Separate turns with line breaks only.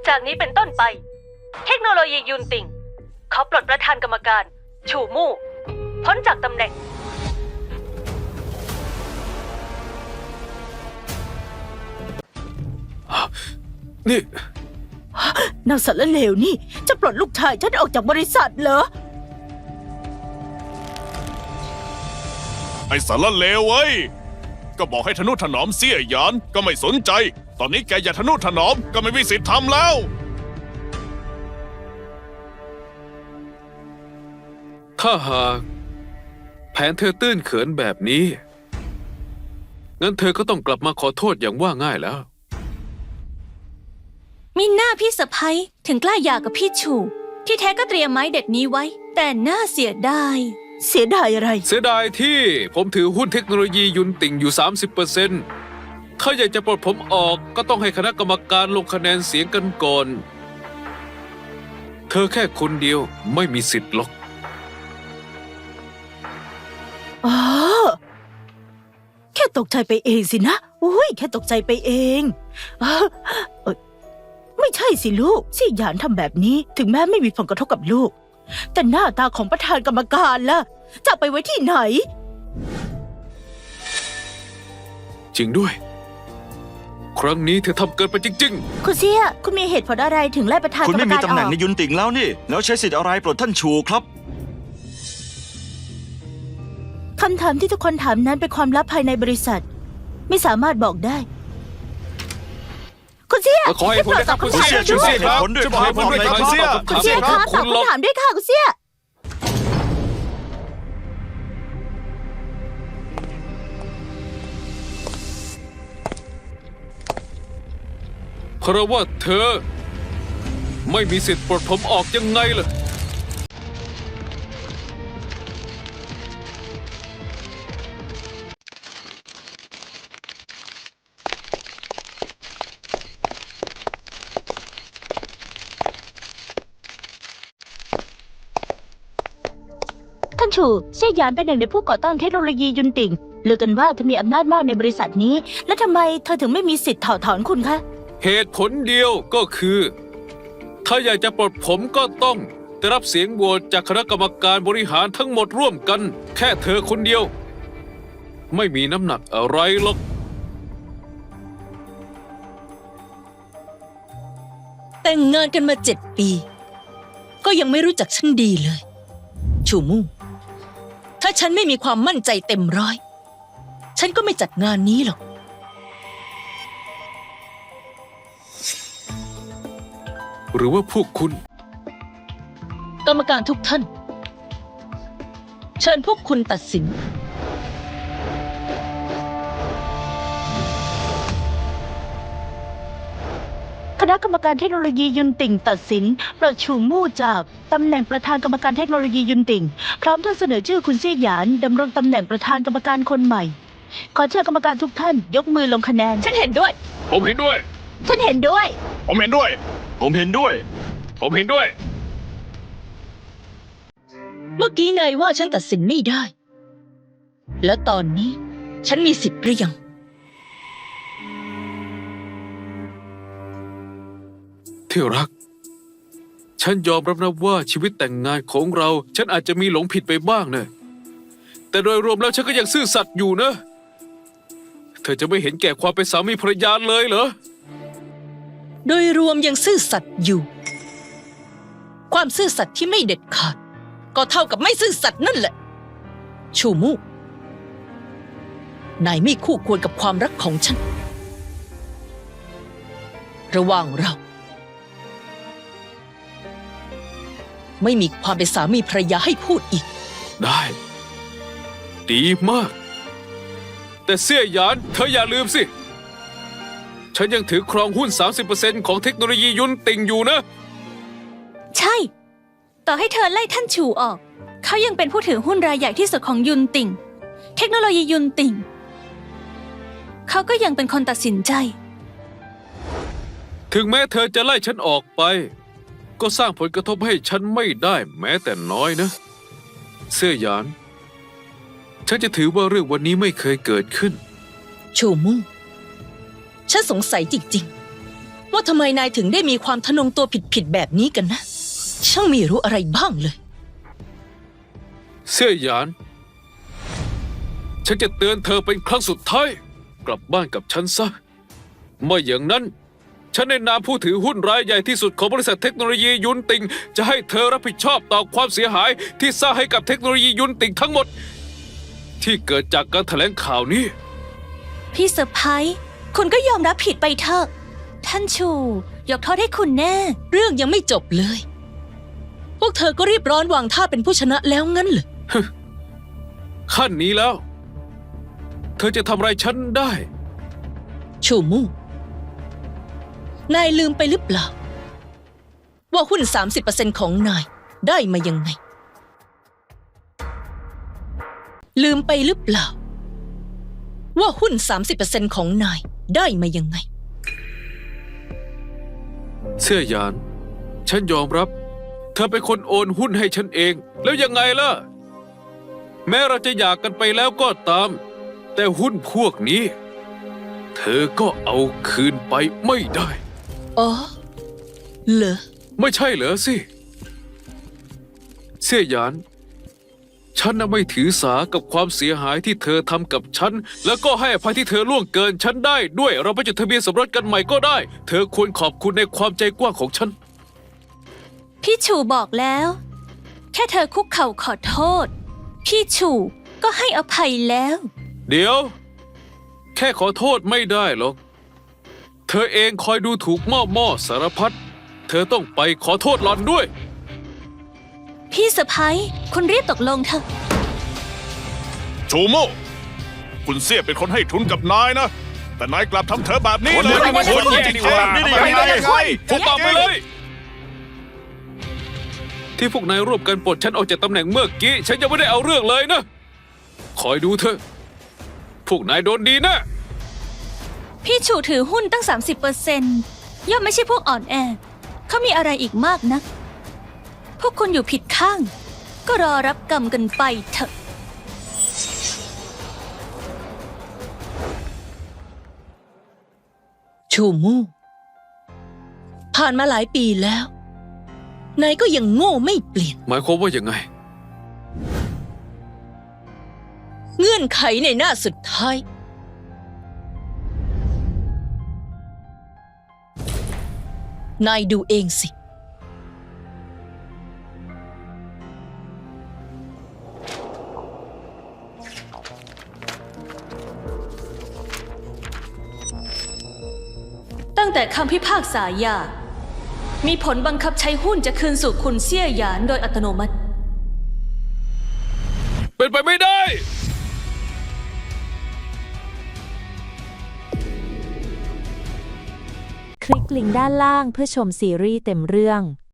จากนี้เป็นต้นไปเทคโนโลยียุนติงขอปลดประธานกรรมการชูมู่พ้นจากตำแหน่ง
นี่
นางสารเลวนี่จะปลดลูกชายฉันออกจากบริษัทเหรอ
ไอ้สารเลวเว้ยก็บอกให้ทนุถนอมเสี้ยหยานก็ไม่สนใจตอนนี้แกอย่าทนุถนอมก็ไม่มีสิทธิ์ทำแล้ว
ถ้าหากแผนเธอตื้นเขินแบบนี้งั้นเธอก็ต้องกลับมาขอโทษอย่างว่าง่ายแล้ว
มีหน้าพี่สะพ้ยถึงกล้าหย่ากับพี่ชูที่แท้ก็เตรียมไม้เด็ดนี้ไว้แต่น่าเสียดาย
เสียดายอะไร
เสียดายที่ผมถือหุ้นเทคโนโลยียุนติ่งอยู่ 30%ถ้าอยากจะปลดผมออกก็ต้องให้คณะกรรมการลงคะแนนเสียงกันก่อนเธอแค่คนเดียวไม่มีสิทธิ์หรอก
อ๋อแค่ตกใจไปเองสินะอุ้ยแค่ตกใจไปเองไม่ใช่สิลูกซี่หยานทำแบบนี้ถึงแม้ไม่มีผลกระทบกับลูกแต่หน้าตาของประธานกรรมการล่ะจะไปไว้ที่ไหน
จริงด้วยครั้งนี้เธอทำเกินไปจริง
คุณเสี่ยคุณมีเหตุผลอะไรถึงไล่ประธานกรรมการออก
คุณไม่มีตำแหน่งในยุนติ่งแล้วนี่แล้วใช้สิทธิ์อะไรปลดท่านชูครับ
คำถามที่ทุกคนถามนั้นเป็นความลับภายในบริษัทไม่สามารถบอกได้คุณเสี่ย
ๆขอให้ผลนะครับคุณเสี่ย
ช่วย
ค
ให้
รับ
ผลด้วย
ช่วยให้ผลด้วยครับคุณเสี่ย
คุณเสี่ยคะตอบคำถามด้วยค่ะคุณเสี่ย
เพราะว่าเธอไม่มีสิทธิ์ปลดผมออกยังไงล่ะ
ท่านชูเซี่ยหยานเป็นหนึ่งในผู้ก่อตั้งเทคโนโลยียุนติ่งลือกันว่าเธอมีอำนาจมากในบริษัทนี้ และทำไมเธอถึงไม่มีสิทธิ์ถอดถอนคุณคะ
เหตุผลเดียวก็คือถ้าอยากจะปลดผมก็ต้องได้รับเสียงโหวตจากคณะกรรมการบริหารทั้งหมดร่วมกันแค่เธอคนเดียวไม่มีน้ำหนักอะไรหรอก
แต่งงานกันมา7 ปีก็ยังไม่รู้จักฉันดีเลยชูมู่ถ้าฉันไม่มีความมั่นใจเต็มร้อยฉันก็ไม่จัดงานนี้หรอก
หรือว่าพวกคุณ
กรรมการทุกท่านเชิญพวกคุณตัดสิน
คณะกรรมการเทคโนโลยียุนติ่งตัดสินปลดชูมู่จากตำแหน่งประธานกรรมการเทคโนโลยียุนติ่งพร้อมทั้งเสนอชื่อคุณเซี่ยหยานดำรงตำแหน่งประธานกรรมการคนใหม่ขอเชิญกรรมการทุกท่านยกมือลงคะแนน
ฉันเห็นด้วย
ผมเห็นด้วย
ฉันเห็นด้วย
ผมเห็นด้วย
ผมเห็นด้วย
ผมเห็นด้วย
เมื่อกี้นายว่าฉันตัดสินไม่ได้แล้วตอนนี้ฉันมีสิทธิ์หรือยัง
ที่รักฉันยอมรับนะว่าชีวิตแต่งงานของเราฉันอาจจะมีหลงผิดไปบ้างนะแต่โดยรวมแล้วฉันก็ยังซื่อสัตย์อยู่นะเธอจะไม่เห็นแก่ความเป็นสามีภรรยาเลยเหรอ
โดยรวมยังซื่อสัตย์อยู่ความซื่อสัตย์ที่ไม่เด็ดขาดก็เท่ากับไม่ซื่อสัตย์นั่นแหละชูมู่นายไม่คู่ควรกับความรักของฉันระหว่างเราไม่มีความเป็นสามีภรรยาให้พูดอีก
ได้ดีมากแต่เสี่ยหยานเธออย่าลืมสิฉันยังถือครองหุ้น 30% ของเทคโนโลยียุนติ่งอยู่นะ
ใช่ต่อให้เธอไล่ท่านชูออกเขายังเป็นผู้ถือหุ้นรายใหญ่ที่สุดของยุนติ่งเทคโนโลยียุนติ่งเขาก็ยังเป็นคนตัดสินใจ
ถึงแม้เธอจะไล่ฉันออกไปก็สร้างผลกระทบให้ฉันไม่ได้แม้แต่น้อยนะเสี่ยหยานฉันจะถือว่าเรื่องวันนี้ไม่เคยเกิดขึ้น
ชูมู่ฉันสงสัยจริงๆว่าทำไมนายถึงได้มีความทะนงตัวผิดๆแบบนี้กันนะ ช่างไมีรู้อะไรบ้างเลย
เสี่ยหยาน ฉันจะเตือนเธอเป็นครั้งสุดท้าย กลับบ้านกับฉันซะไม่อย่างนั้น ฉันในนามผู้ถือหุ้นรายใหญ่ที่สุดของบริษัทเทคโนโลยียุนติงจะให้เธอรับผิดชอบต่อความเสียหายที่สร้างให้กับเทคโนโลยียุนติงทั้งหมด ที่เกิดจากการแถลงข่าวนี้
พี่สะพ้ยคุณก็ยอมรับผิดไปเถอะ ท่านชูยกโทษให้คุณแน่
เรื่องยังไม่จบเลย พวกเธอก็รีบร้อนวางท่าเป็นผู้ชนะแล้วงั้นเหรอ
ขั้นนี้แล้ว เธอจะทำอะไรฉันได้
ชูมู่ นายลืมไปหรือเปล่า ว่าหุ้น 30% ของนายได้มายังไง ลืมไปหรือเปล่า ว่าหุ้น 30% ของนายได้มายังไง
เสี่ยหยาน ฉันยอมรับ เธอเป็นคนโอนหุ้นให้ฉันเอง แล้วยังไงล่ะ แม้เราจะหย่ากันไปแล้วก็ตาม แต่หุ้นพวกนี้ เธอก็เอาคืนไปไม่ได้
อ๋อ เหรอ
ไม่ใช่เหรอสิ เสี่ยหยาน ฉันน่ะไม่ถือสากับความเสียหายที่เธอทำกับฉัน แล้วก็ให้อภัยที่เธอล่วงเกินฉันได้ด้วย เราไปจดทะเบียนสมรสกันใหม่ก็ได้ เธอควรขอบคุณในความใจกว้างของฉัน
พี่ชูบอกแล้ว แค่เธอคุกเข่าขอโทษ พี่ชูก็ให้อภัยแล้ว
เดี๋ยว แค่ขอโทษไม่ได้หรอก เธอเองคอยดูถูกม่อสารพัด เธอต้องไปขอโทษหล่อนด้วย
พี่สะพ้ยคุณรีบตกลงเถอะ
ชูโม่คุณเสี่ยเป็นคนให้ทุนกับนายนะ แต่นายกลับทำเธอแบบนี้เลย
คน
จ
จริ
ริ
ง
ง
ๆ
ๆ
นี่
ทำ
ได้
ไม
ยังไง
ได้ยังไง
ถูกต้องไปเลย ที่พวกนายร่วมกันปลดฉันออกจากตำแหน่งเมื่อกี้ ฉันยังไม่ได้เอาเรื่องเลยนะ คอยดูเถอะ พวกนายโดนดีนะ
พี่ชูถือหุ้นตั้ง 30%ย่อมไม่ใช่พวกอ่อนแอ เขามีอะไรอีกมากนัก พวกคุณอยู่ผิดข้าง ก็รอรับกรรมกันไปเถอะ
ชูมู่ ผ่านมาหลายปีแล้ว นายก็ยังโง่ไม่เปลี่ยน
หมายความว่ายังไง
เงื่อนไขในหน้าสุดท้าย นายดูเองสิ
ตั้งแต่คำพิพากษาหย่ามีผลบังคับใช้หุ้นจะคืนสู่คุณเสี่ยหยานโดยอัตโนมัติ
เป็นไปไม่ได้
คลิกลิงก์ด้านล่างเพื่อชมซีรีส์เต็มเรื่อง